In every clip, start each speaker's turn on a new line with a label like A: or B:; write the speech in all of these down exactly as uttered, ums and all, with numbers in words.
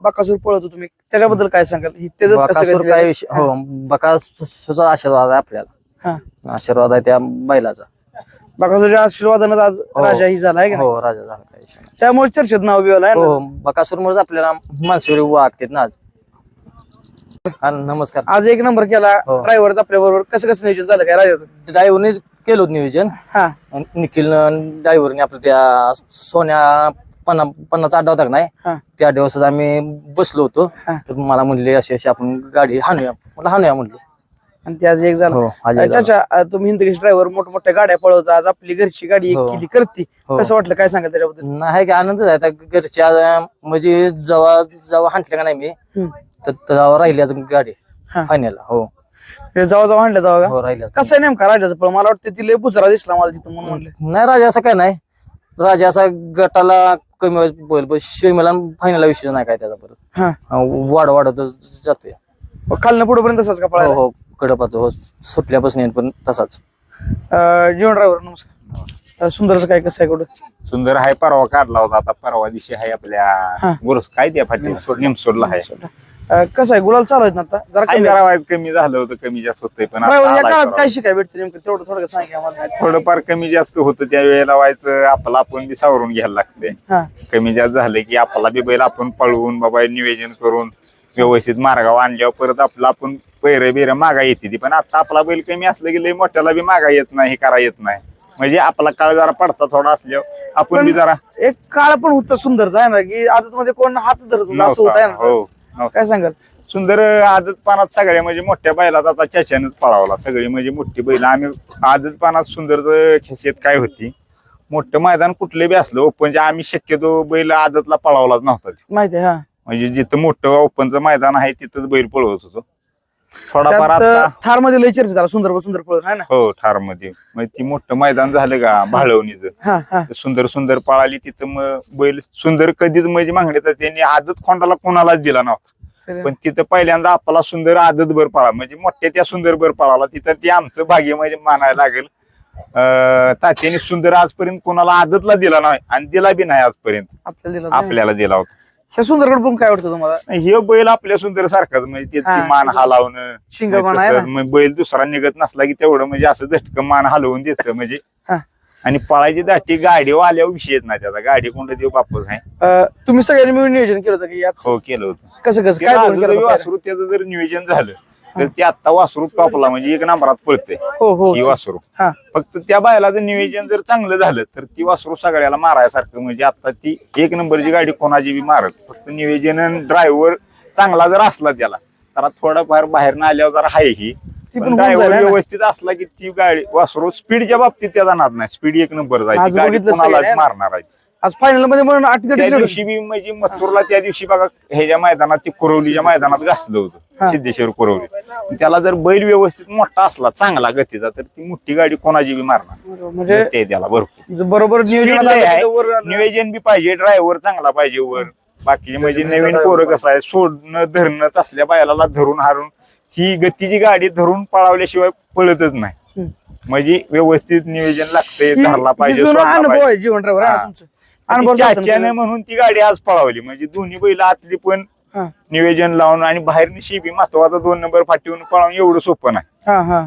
A: बकासूर पळवतो तुम्ही, त्याच्याबद्दल काय सांगाल? ही त्याच
B: बकासूर काय विषय हो, बकासूरचा आशीर्वाद आहे आपल्याला.
A: हा
B: आशीर्वाद आहे त्या बैलाचा.
A: बकासूरच्या आशीर्वादानं आज राजा ही झाला आहे का नाही?
B: हो, राजा झाला काय विषय नाही.
A: त्यामुळे चर्चेत नाव बिवलं आहे ना.
B: हो, बकासूरमुळे आपल्याला मानसुरी वागतात ना आज. हा, नमस्कार.
A: आज एक नंबर केला
B: हो.
A: ड्रायव्हर आपल्या बरोबर. कसं कसं नियोजन झालं काय राजाचं?
B: ड्रायव्हरने केलं होतं नियोजन.
A: हा
B: निखिल ड्रायव्हरने आपलं त्या सोन्या पन्ना पन्नाचा अड्डा होता का नाही,
A: हा
B: त्या दिवसात आम्ही बसलो होतो.
A: हा.
B: तर मला म्हणले अशी अशी आपण गाडी हाणूया, मला हाणूया म्हणलो.
A: आणि ते आज एक झालं.
B: हो, आज एक झालं.
A: चाचा अं, तुम्ही हिंदकेश ड्रायव्हर मोठमोठ्या गाड्या पळवता, आज आपली घरची गाडी एक
B: हो.
A: केली करती,
B: हो.
A: कसं वाटलं काय सांगाल त्याच्याबद्दल?
B: नाही काय आनंद आहे आता घरच्या म्हणजे जेव्हा जेव्हा हाणल्या का नाही मी,
A: हम्म.
B: तर तेव्हा राहिली अजून गाडी
A: हा.
B: फायनलला. हो
A: हे जावा जावा आणलं जावा का?
B: हो, राहिल्या.
A: कसं आहे नेमका राजाचं पळ? मला वाटतं तिला बुजरा दिसला मला तिथं म्हणून म्हणलं.
B: नाही राजा असं काय नाही, राजा असा गटाला कमी वेळेत बोल पण शेमीला फायनलला विषय नाही काय त्याचा. परत
A: हा
B: वाढ वाढत जातोय.
A: खालनं पुढे पर्यंत तसाच का
B: हो
A: पळायला?
B: हो, कडपातो हो, सुटल्यापासून येईन पण तसाच.
A: अं, जीवन ड्रायव्हर नमस्कार. अं, सुंदरचं काय कसं आहे कुठं?
C: सुंदर आहे, परवा काढला होता. आता परवा दिवशी आहे
A: हा.
C: आपल्या गुरुस काय त्या फाटी निमसोडला आहे.
A: अं, कसं आहे गुलाल चालू आहेत ना आता? जरा
C: आहे
A: कमी
C: जरा वाईट कमी झालं होतं, कमी जास्त होतंय, पण आता
A: ड्रायव्हर या
C: आलाय
A: काळात
C: परवा.
A: काय शिकाय भेटते नेमकं तेवढं थोडं सांगा आम्हाला.
C: थोडंफार कमी जास्त होतं त्या वेळेला व्हायचं, आपला आपण बी सावरून घ्यायला लागते.
A: हा
C: कमी जास्त झालं की आपला बी बैल आपण पळवून बाबा नियोजन करून व्यवस्थित मार्गावर आणल्यावर परत आपला आपण पैर बिर मागा येते ती. पण आता आपला बैल कमी असलं की लय मोठ्याला बी मागा येत नाही, हे करा येत नाही. म्हणजे आपला काळ जरा पडता थोडा असल्यावर आपण बी जरा
A: एक काळ पण होता सुंदरचा आहे ना, की आदत मध्ये कोण हात धरत होता असं होत आहे
C: नव्हता.
A: ना.
C: हो नव्हता.
A: काय सांगाल?
C: सुंदर आदत पानात सगळ्या म्हणजे मोठ्या बैलात आता चाच्यानंच पळावला. सगळी म्हणजे मोठी बैल आम्ही आदत पानात सुंदर खेसेत काय होती, मोठं मैदान कुठले बी असलं ओपनच्या आम्ही शक्यतो बैल आदतला पळावलाच नव्हता.
A: माहिती आहे. हा
C: म्हणजे जिथं मोठं ओपनचं मैदान आहे तिथंच बैल पळवत होतो. थोडाफार आता
A: त्यात थार मध्ये लय चर्चा झाला सुंदर सुंदर पळून आहे ना.
C: हो ठार मध्ये म्हणजे ती मोठं मैदान झालं का भाळवणीचं,
A: हा हा
C: सुंदर सुंदर पळाली तिथं मग बैल सुंदर कधीच म्हणजे मागणी तर त्यांनी आदत खोंडाला कोणालाच दिला नव्हता. पण तिथं पहिल्यांदा आपला सुंदर आदत भर पळा म्हणजे मोठ्या त्या सुंदर भर पळाला. तिथं ते आमचं भाग्य म्हणजे मानायला लागेल. अं तात्याने सुंदर आजपर्यंत कोणाला आदतला दिला नाही आणि दिला बी नाही आजपर्यंत.
A: आपल्याला दिला नाही.
C: आपल्याला दिला होता.
A: ह्या सुंदरकडे पण काय वाटतं तुम्हाला?
C: हे बैल आपल्या सुंदर सारखाच म्हणजे
A: हा.
C: ते मान हलावणं
A: शिंगपणा आहे ना.
C: तसं मग बैल दुसरा निघत नसला की तेवढं म्हणजे असं झटकं मान हलवून देतं म्हणजे.
A: हा.
C: आणि पळायची दाटी गाडीवर आल्यावर विषय येत नाही त्याचा. गाडी कोणता देऊ बापच आहे.
A: अं, तुम्ही सगळ्यांनी मिळून नियोजन केलं होतं की यात
C: हो केलं होतं.
A: कसं कसं
C: ते
A: काय
C: राजू
A: दोन केलं
C: रवी
A: होतं?
C: वासरू त्याचं जर नियोजन झालं तर ते आता वासरू टॉपला म्हणजे एक नंबरात पळते
A: हो हो
C: ही वासरू.
A: हा
C: फक्त त्या बैलाचं नियोजन जर चांगलं झालं तर ती वासरू सगळ्याला मारायसारखं म्हणजे आता ती एक नंबरची गाडी कोणाची बी मारत. फक्त नियोजन ड्रायव्हर चांगला जर असला त्याला तर थोडाफार बाहेर न आल्यावर जरा आहे ही.
A: ती पण होऊन
C: ड्रायव्हर
A: जाईल ना.
C: व्यवस्थित असला की ती गाडी वासरू स्पीडच्या बाबतीत त्याचा नाद नाही. स्पीड एक नंबर
A: आज
C: जायची गाडी
A: बघितलं
C: कोणाला
A: सगळं,
C: मारणार आहे.
A: आज फायनल मध्ये म्हणून अटी
C: त्या दिवशी बी म्हणजे मथुरला त्या दिवशी बघा ह्याच्या मैदानात ती कुरवलीच्या मैदानात घासलं
A: हा.
C: होतं सिद्धेश्वर कुरवली. त्याला जर बैल व्यवस्थित मोठा असला चांगला गतीचा तर ती मोठी गाडी कोणाची बी मारणार
A: म्हणजे
C: ते त्याला भरपूर
A: बरोबर नियोजन
C: Speed लय आहे.
A: वर आलं.
C: नियोजन बी पाहिजे, ड्रायव्हर चांगला पाहिजे वर. बाकी म्हणजे नवीन पोरं कसं आहे सोडणं धरणं तसल्या बायलाला धरून हारून ही गतीची गाडी धरून पळावल्याशिवाय पळतच नाही.
A: हम्म.
C: म्हणजे व्यवस्थित नियोजन लागतंय,
A: ही-
C: धरला
A: ही
C: पाहिजे,
A: जुना
C: सोडला
A: अनुभव
C: पाहिजे.
A: आहे जीवन ड्रायव्हर
C: हा.
A: तुमचं अनुभव
C: ती
A: सांगतो
C: चाच्याने
A: ना.
C: म्हणून ती गाडी आज पळावली म्हणजे दोन्ही बैल आतली पण
A: हा
C: नियोजन लावून आणि बाहेर शिबी महत्वाचा दोन नंबर फाटीवून पळवून एवढं सोपं नाही.
A: हा हा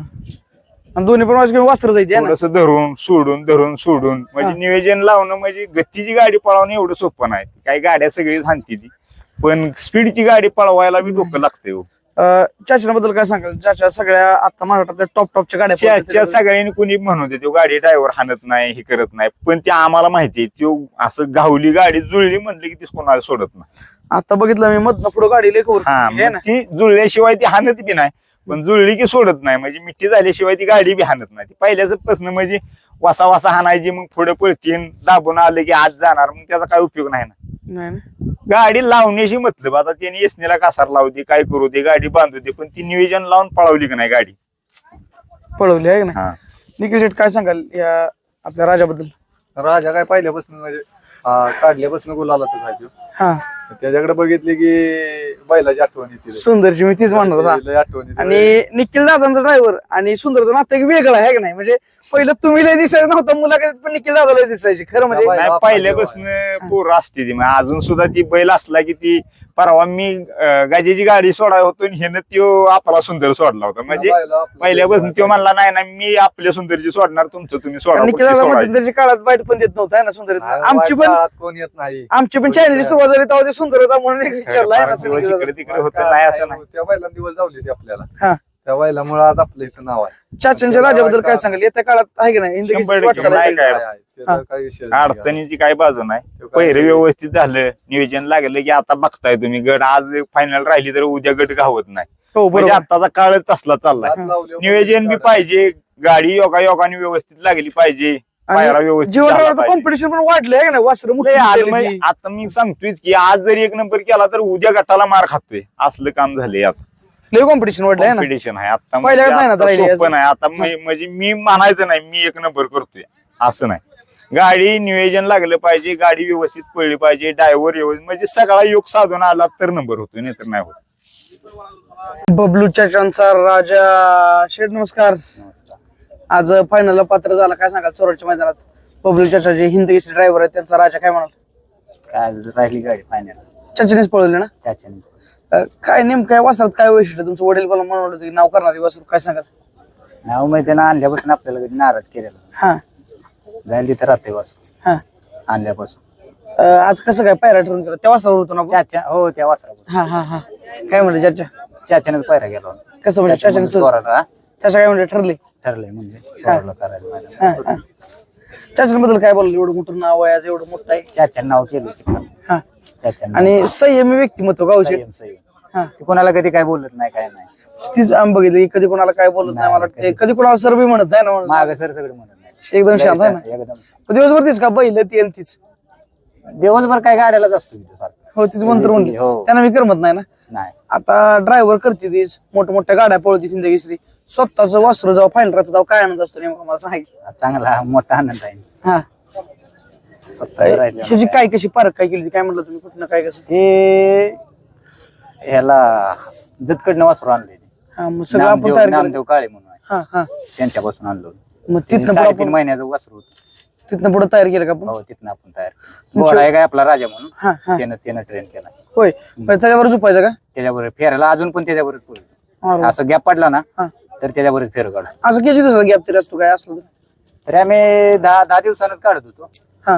A: आणि दोन्ही पण माझ्या वस्त्र जायचे आहे ना.
C: थोडस धरून सोडून धरून सोडून म्हणजे
A: हा.
C: नियोजन लावणं म्हणजे गतीची गाडी पळवणं एवढं सोपं नाही. काही गाड्या सगळी सांगते ती पण स्पीडची गाडी पळवायला बी डोकं लागते.
A: चाचण्याबद्दल काय सांगाल? चाचा सगळ्या आता महाराष्ट्रातल्या टॉप टॉपच्या गाड्या
C: च्या
A: पळवतात.
C: सगळ्यांनी कुणी म्हणून देतो गाडी ड्रायव्हर हाणत नाही हे करत नाही पण ते आम्हाला माहितीये तो असं गावली गाडी जुळली म्हणलं की ती कोणाला सोडत नाही.
A: आता बघितलं मी मधनं पुढे गाडी लेखवर
C: हा
A: आहे
C: मग
A: ना.
C: ती जुळल्याशिवाय ती हाणत बी नाही पण जुळली की सोडत नाही म्हणजे मिठी झाल्याशिवाय ती गाडी बी हाणत नाही. ती पहिल्याच प्रश्न म्हणजे वासा वासा हाणायची मग पुढे पळतीन दाबून आले की आज जाणार मग त्याचा काय उपयोग नाही ना.
A: नाही ना.
C: गाडी लावण्याशी मतलब आता त्यांनी एसनीला कासार लावू दे काय करू दे गाडी बांधू दे पण ती नियोजन लावून पळवली की नाही गाडी.
A: पळवली आहे ना.
C: हा
A: निखिल शेट काय सांगाल या आपल्या राजाबद्दल?
D: राजा काय पहिल्यापासून म्हणजे आ, काढल्यापासून गुलाला तर झाली.
A: हा
D: त्याच्याकडे बघितली की बैलाची आठवण येते
A: सुंदरची मी तीच म्हणत होता.
D: लय आठवण येते.
A: आणि निखिल दादांचा ड्रायव्हर आणि सुंदरचं नातं एक वेगळं आहे का नाही, म्हणजे पहिलं तुम्ही लय दिसायचं नव्हतं मुलाखतीत, पण निखिल दादा लय दिसायची खरं म्हणजे.
D: बाई-
C: नाही पहिल्यापासून पोरं असते ती म्हणजे अजून सुद्धा ती बैल असला की ती परवा मी अं, गाजीची गाडी सोडाय होतो आणि ह्यानं त्यो आपला सुंदर सोडला होता म्हणजे
D: बैला आपलं-
C: पहिल्यापासून तो म्हणला नाही ना मी आपल्या सुंदरची सोडणार तुमचं तुम्ही सोडा
A: निखिल
C: कुठली
A: दादा
C: सोडायची.
A: मध्ये त्याच्या काळात वाईट पण देत नव्हता ना सुंदर.
D: नाही,
A: आमची
D: वाईट
A: पण
D: काळात कोण येत नाही.
A: आमची पण चॅनलची सुरुवात झाली तेव्हा ते सुंदर होता म्हणून एक विचारला आहे ना
C: फार दिवस
A: निखिल
C: इकडे
A: दादा.
C: तिकडे होतं नाही असं नाही.
D: त्या बैलांना दिवस जावले ते आपल्याला
A: हा.
D: त्या बैलामुळे आज आपलं इथं नाव आहे.
A: चाचांच्या राजाबद्दल काय सांगाल येत्या काळात आहे की नाही हिंद
C: शंभर
A: केसरी
C: टक्के
A: वाटचाल
C: नाही
A: असेल.
C: काय.
D: काय आहे, त्याचा काही विषय नाही.
C: अडचणीची काय बाजू नाही
D: तो काय-
C: पहिरं व्यवस्थित झालं नियोजन लागलं की आता बघताय तुम्ही गट आज फायनल राहिली तर उद्या गट गावत नाही
A: हो
C: म्हणजे
A: बरोबर.
C: आताचा काळच तसला चाललाय
D: हात लावले
C: नियोजन बी पाहिजे गाडी योगा योगाने व्यवस्थित लागली पाहिजे पायरा
A: आणि
C: व्यवस्थित
A: जीवन
C: झाला पाहिजे.
A: कॉम्पिटिशन पण वाढलंय आहे का नाही वासर
C: लय आज म्हणजे आता मी सांगतोय की आज जरी एक नंबर केला तर उद्या गटाला मार खातोय असलं काम झालंय आता
A: लय कॉम्पिटिशन वाढलंय ना.
C: कॉम्पिटिशन आहे आता
A: पहिल्या
C: म्हणजे
A: नाही ना
C: आता
A: राहिली
C: सोपं
A: अजून.
C: नाही आता मी- म्हणजे मी म्हणायचं नाही मी एक नंबर करतोय असं नाही गाडी नियोजन लागलं पाहिजे गाडी व्यवस्थित पडली पाहिजे ड्रायव्हर व्यवस्थित म्हणजे सगळा योग साधून आला तर नंबर होतोय नाहीतर नाही होत.
A: बबलू चाचांचा राजा शेठ नमस्कार. आज फायनलला पात्र झाला काय सांगाल चोराच्या मैदानात बबलू चाचा जे हिंद केसरी ड्रायव्हर आहेत त्यांचा राजा काय म्हणाल.
B: काय राहिली गाडी फायनल
A: चाचानेच पळवले ना.
B: चाच्याने
A: अं, काय नेमकं काय वासरात काय वैशिष्ट्य तुमचं वडील पण म्हणत होते की नाव करणारी वासरू काय सांगाल.
B: नाव माहिती त्यानं आणल्यापासून आपल्याला कधी नाराज केलेला
A: हा
B: जाईल तिथं राहते वासू
A: हा
B: आणल्यापासून.
A: अं, आज कसं काय पायरा ठरवून केलं त्या वासरावर होतो ना आपण?
B: चाचा हो त्या वासरा
A: हा हा हा काय म्हणले चाचा
B: चाच्यानेच पायरा गेला होता.
A: कसं म्हणजे
B: चाचा
A: चाचाने
B: म्हणून चोराला, हा?
A: चाचा काय म्हणले ठरले.
B: ठरलंय म्हणजे चोराला करायला
A: हा
B: माझ्या.
A: हा चाचांबद्दल काय बोललं एवढं मोठं नाव आहे आज एवढं मोठं आहे.
B: चाच्यानं नाव केलं चिकन
A: हा
B: चाच्यानं
A: आणि संयमी व्यक्तिमत्व गावचे.
B: संयम संयम
A: हा
B: ती कोणाला कधी काय बोलत नाही काय नाही
A: तीच आम्ही बघितली कधी कोणाला काय बोलत नाही मला वाटतं कधी कोणाला सर बी म्हणत नाही ना म्हणून.
B: माग सर सगळं म्हणत नाही
A: एकदम शांत आहे ना.
B: एकदम
A: पण दिवसभर तीच का बैल ती आणि तीच
B: दिवसभर काय गाड्यालाच असतो तिथं सारखं.
A: हो तीच मंत्र म्हणली
B: हो.
A: त्यांना मी करमत नाही ना.
B: नाही
A: आता ड्रायव्हर करते तीच मोठ्या मोठ्या गाड्या पळवते हिंदकेसरी स्वतःच वासरू जाऊ फायनल राहतं जाऊ काय आनंद असतो नेमका मला सांग.
B: चांगला मोठा आनंद आहे
A: हा
B: स्वतः राहिलेला.
A: ह्याची काय कशी पारख काय केली काय म्हणलं तुम्ही कुठनं काय कसं.
B: हे ह्याला जतकडनं वासरू आणले
A: हा मग सगळं आपण तयार केलं.
B: नामदेव काळे म्हणून आहे.
A: हा हा
B: त्यांच्यापासून आणलो
A: मग तिथनं पुढे
B: साडेतीन
A: आपण
B: महिन्याचं वासरू होतं.
A: तिथनं पुढे तयार केलं का आपण.
B: हो तिथनं आपण तयार केलं. घोडा आहे काय आपला राजा म्हणून
A: हा हा
B: त्यानं त्यानं ट्रेन केला
A: होय पण त्याच्यावर झोपायचं का.
B: त्याच्याबरोबर फेरायला अजून पण त्याच्याबरोबर पुढे
A: अरे.
B: असं गॅप पडला ना
A: हा
B: तर त्याच्याबरोबर फेर काढ.
A: असं किती दिवसाचा गॅप तरी असतो काय असलं तर.
B: तर आम्ही दहा दहा दिवसानच काढत होतो.
A: हा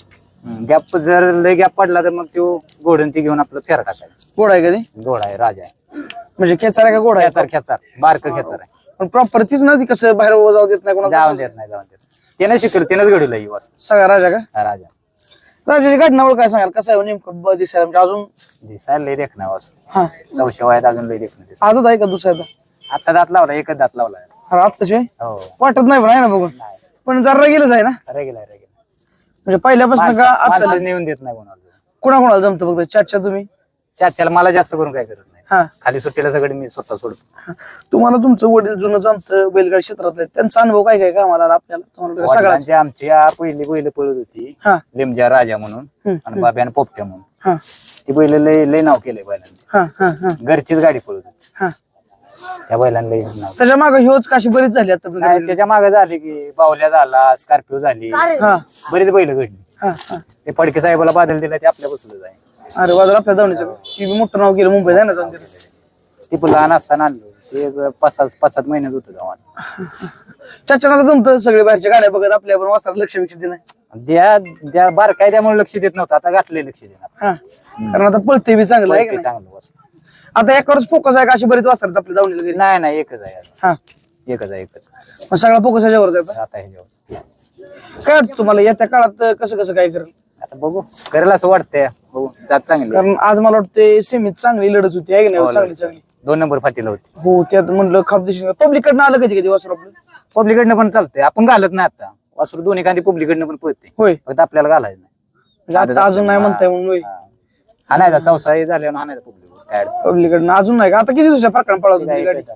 B: गॅप जर लय गॅप पडला तर मग तो घोडून ती घेऊन आपलं फेर टाकायचं.
A: घोडा आहे कधी
B: घोडा आहे राजा आहे
A: म्हणजे खेचार आहे का घोडा आहे.
B: खेचार खेचार बारक खेचार आहे.
A: पण प्रॉपर तीच ना ती कसं बाहेर उभं जाऊ देत नाही
B: जाऊन
A: कोणाला.
B: देत नाही जाऊन देत त्यानं शिकलं त्यानंच घडवलं ही वासरू.
A: सगळा राजा का.
B: हा राजा
A: राजाची घटनावर काय सांगाल कसं आहे हो नेमकं ब- दिसायला म्हणजे अजून.
B: दिसायला लय देखणं वासरू.
A: हा
B: चौशे वयात अजून लय देखणं दिसत.
A: आजच आहे का दुसरा
B: आता दात लावला एकच दात लावला
A: अरे आत्ताची
B: हो
A: वाटत नाही पण आहे ना बघून
B: नाही
A: पण जरा गेलंच आहे ना
B: रेगेला रेगेला
A: म्हणजे पहिल्यापासून का आता
B: माणसं नेऊन देत नाही कोणाला.
A: कुणा कोणाला जमतं फक्त चाचा तुम्ही.
B: चाच्याला मला जास्त करून काय करत नाही.
A: हा
B: खाली सुट्टीला सगळं मी स्वतः सोडतो.
A: तुम्हाला तुमचं वडील जुनं जमतं बैलगाडी क्षेत्रातलं आहे. त्यांचा अनुभव काय काय का मला आपल्याला तुम्हाला सगळ्याच.
B: वडिलांची आमच्या पहिली बैल पळत होती
A: हा
B: लिमजा राजा म्हणून
A: हम्म,
B: आणि बाब्यान पोपट्या म्हणून.
A: हा
B: ती बैल लय लय नाव केलंय बैलांनी.
A: हा हा हा
B: घरचीच गाडी पळत होती
A: हा
B: त्या बैलांना लय नाव.
A: त्याच्या मागे ह्योच काशी बरीच झाली आता
B: नाही त्याच्या मागे झाली की बावल्या झाला स्कॉर्पिओ झाली
A: हा
B: बरीच बैल घडली.
A: हा हा
B: ते फडके साहेबाला बादल दिला ते आपल्या बसलं जाय.
A: अरे बाजार आपल्या धावणीचं ती बी मोठं नाव केलं मुंबईत आहे ना जाऊन तिथे.
B: ती पण लहान असताना आणलो ते एक पाच सात पाच सात महिन्यात होतं गावात.
A: चाचा आता जमतं सगळे बाहेरच्या गाड्या बघत आपल्या पण वाचतात लक्ष विक्ष दिलं
B: द्या द्या बार काय त्यामुळे लक्ष देत नव्हतं आता घातलंय लक्ष देणार.
A: हा कारण आता पळते बी चांगलं आहे का
B: ते
A: नाही.
B: चांगलं वासरू.
A: आता एकावरच फोकस आहे का अशी बरीच वाचतात आपल्या धावणीला घरी.
B: नाही नाही एकच आहे आता.
A: हा
B: एकच आहे एकच
A: मग सगळा फोकस ह्याच्यावर आता
B: आता हे जेवण.
A: काय वाटतं तुम्हाला येत्या काळात कसं कसं काय करेल.
B: आता बघू करेल असं वाटतंय बघू जात चांगली
A: कारण आज मला वाटतं सेमीत चांगली लढत होती आहे की
B: हो,
A: नाही चांगली चांगली.
B: दोन नंबर फाटीला होती.
A: हो त्यात म्हणलं खापदेशी पब्लिक कडनं आलं कधी कधी वासर आपलं.
B: पब्लिकडनं पण चालतंय आपण घालत नाही आता वासरू दोन्ही कांदी पब्लिकडनं पण पळते
A: होय
B: फक्त आपल्याला घालायचं नाही.
A: म्हणजे आता अजून नाही म्हणताय म्हणून होय.
B: हा. हाणायचा चौसा झाल्यावर हाणायचा पब्लिक काय अडचण
A: पब्लिक कडनं अजून नाही का आता किती दिवसाच्या फरकानं पळवतो
B: नाही.
A: ती गाडी.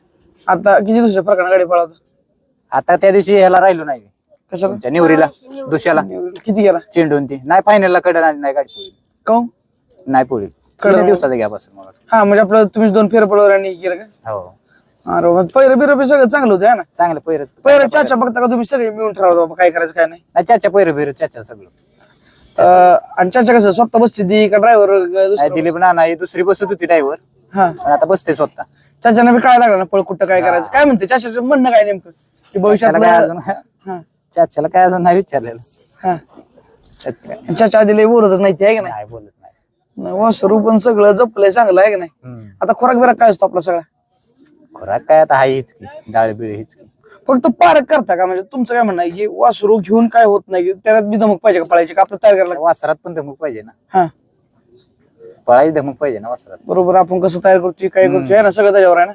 A: आता किती दिवसाच्या फरकानं गाडी पळवतो
B: आता त्या दिवशी ह्याला राहिलो नाही
A: कशाला
B: तुमच्या निवरीला दुसऱ्याला
A: किती गेला
B: चेंडून ती नाही फायनलला कडे नाही गाडी पळली.
A: काऊन
B: नाही पुढे
A: कडं-
B: तीन दिवसाचा गॅप असेल मला वाटतं.
A: हा म्हणजे आपलं तुम्ही दोन फेर पडवरांनी केलं का?
B: हो
A: अरे पहिरं बिरं बी सगळं चांगलं होतं है ना.
B: चांगलं पैर
A: पहिरं चाचा बघता का तुम्ही सगळे मिळून ठरवता बाबा काय करायचं काय नाही.
B: नाही चाचा पैर बिर चाचा सगळं
A: अं, आणि चाचा कसं स्वतः बसते ती का
B: नाही
A: ड्रायव्हर?
B: दिलीप नाना ही दुसरी बसत होती ड्रायव्हर
A: हा
B: पण आता बसते स्वतः.
A: चाचाने बी काय लागला ना पळ कुठं काय करायचं काय म्हणते चाचाचं म्हणणं काय नेमकं की भविष्यात
B: चाच्याला काय अजून
A: हा
B: चाच्याला काय अजून नाही विचारलेलं
A: हा
B: त्याचं काय
A: चाचा आधी लय बोलतच नाही ते आहे का
B: नाही बोलत नाही
A: नाही वासरू पण सगळं जपलंय चांगलं आहे का नाही.
B: हम्म.
A: आता खोराक बिराक काय असतो आपला सगळा?
B: खोराक काय आता हाय हीच की डाळ बिळ हीच की
A: फक्त पारक करता का म्हणजे तुमचं काय म्हणणं आहे की वासरू घेऊन काय होत नाही की त्याला बी धमक पाहिजे का पळायची का आपलं तयार करायला लागतं?
B: वासरात पण धमक पाहिजे ना
A: हा
B: पळायची धमक पाहिजे ना वासरात.
A: बरोबर आपण कसं तयार करतोय काय करतोय आहे ना सगळं त्याच्यावर आहे ना.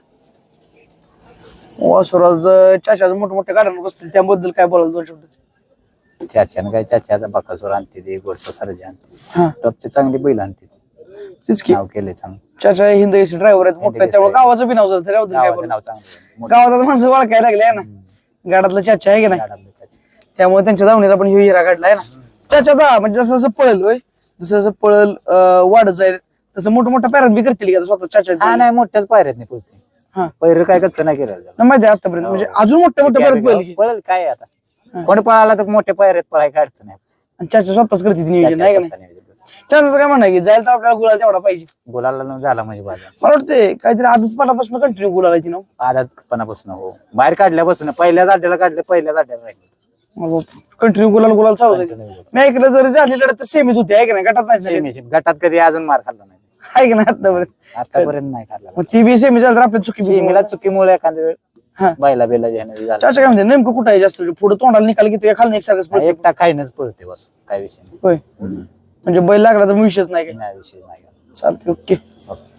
A: वासुराज चाचाचं मोठे मोठे गाड्यांवर बसतील त्याबद्दल काय बोलाल दोन शब्द?
B: चाच्यानं काय चाचा आता बकासूर आणते ते गोडचा सरजे आणते
A: हा
B: टॉपचे चांगली बैल आणते
A: तेच की
B: नाव केले चांगलं
A: चाचा हिंद एसी ड्रायव्हर आहेत मोठे त्यामुळे गावाचं बी नाव झालं त्याच्याबद्दल काय
B: गावाचं
A: बोलू?
B: नाव चांगलं
A: गावात माणसं ओळखायला लागले आहे ना गाडातलं चाचा आहे की नाही
B: गाडातलं चाचा.
A: त्यामुळे त्यांच्या धावणीला पण ह्यो हिरा काढला आहे ना. चाचा दा म्हणजे जसं जसं पळेल होय जसं जसं पळेल अं, वाढत जाईल तसं मोठं मोठ्या पॅरेंट बी करतील का स्वतः चाचा
B: हा नाही मोठ्याच पायऱ्यात नाही पुढते
A: हा
B: पैर काय कच्चं नाही केलं त्याला.
A: नाही माहिती आहे आतापर्यंत म्हणजे अजून मोठ्या मोठ्या पॅरेंट पळेल की.
B: पळेल काय आता कोण पळाला तर मोठ्या पायऱ्यात पळाय काढचं नाही
A: आणि चाचा स्वतःच करते ती नियोजन आहे का नाही.
B: चाचा स्वतः नियोजन.
A: चाचाचं काय म्हणणं आहे की जायला तर आपल्याला गुलाल तेवढा पाहिजे.
B: गुलाला न झाला म्हणजे बाजार
A: मला वाटतं काहीतरी आदतपणापासून कंटिन्यू गुलाल आहे ती ना.
B: आधातपणापासून हो बाहेर काढल्यापासून पहिल्या जाड्याला काढलं पहिल्या जाड्याला राहिलं
A: कंटिन्यू गुलाल गुलाल चालू आहे. मी ऐकलं जरी झाली लढत तर सेमीच होती आहे का नाही गटात नाही झाली.
B: सेमी सेमी गटात कधी अजून मार खाल्ला नाही
A: आहे का नाही आतापर्यंत.
B: आतापर्यंत नाही खाल्ला
A: मग ती बी सेमी झाली तर आपली चुकी बी
B: सेमीला चुकीमुळे एखाद्या वेळ
A: हा
B: बायला बेला ज्यानं झाला
A: चाचा काय म्हणते नेमकं कुठं आहे जास्त पुढे तोंडाला निकाल घेतो खाली एकसारखंच पळतो?
B: एकटा खाईनच पळते बस काय विषय नाही.
A: होय
B: हम्म.
A: म्हणजे बैल लागला तर विषयच नाही काय.
B: नाही विषय नाही
A: चालते ओके.
B: ओके.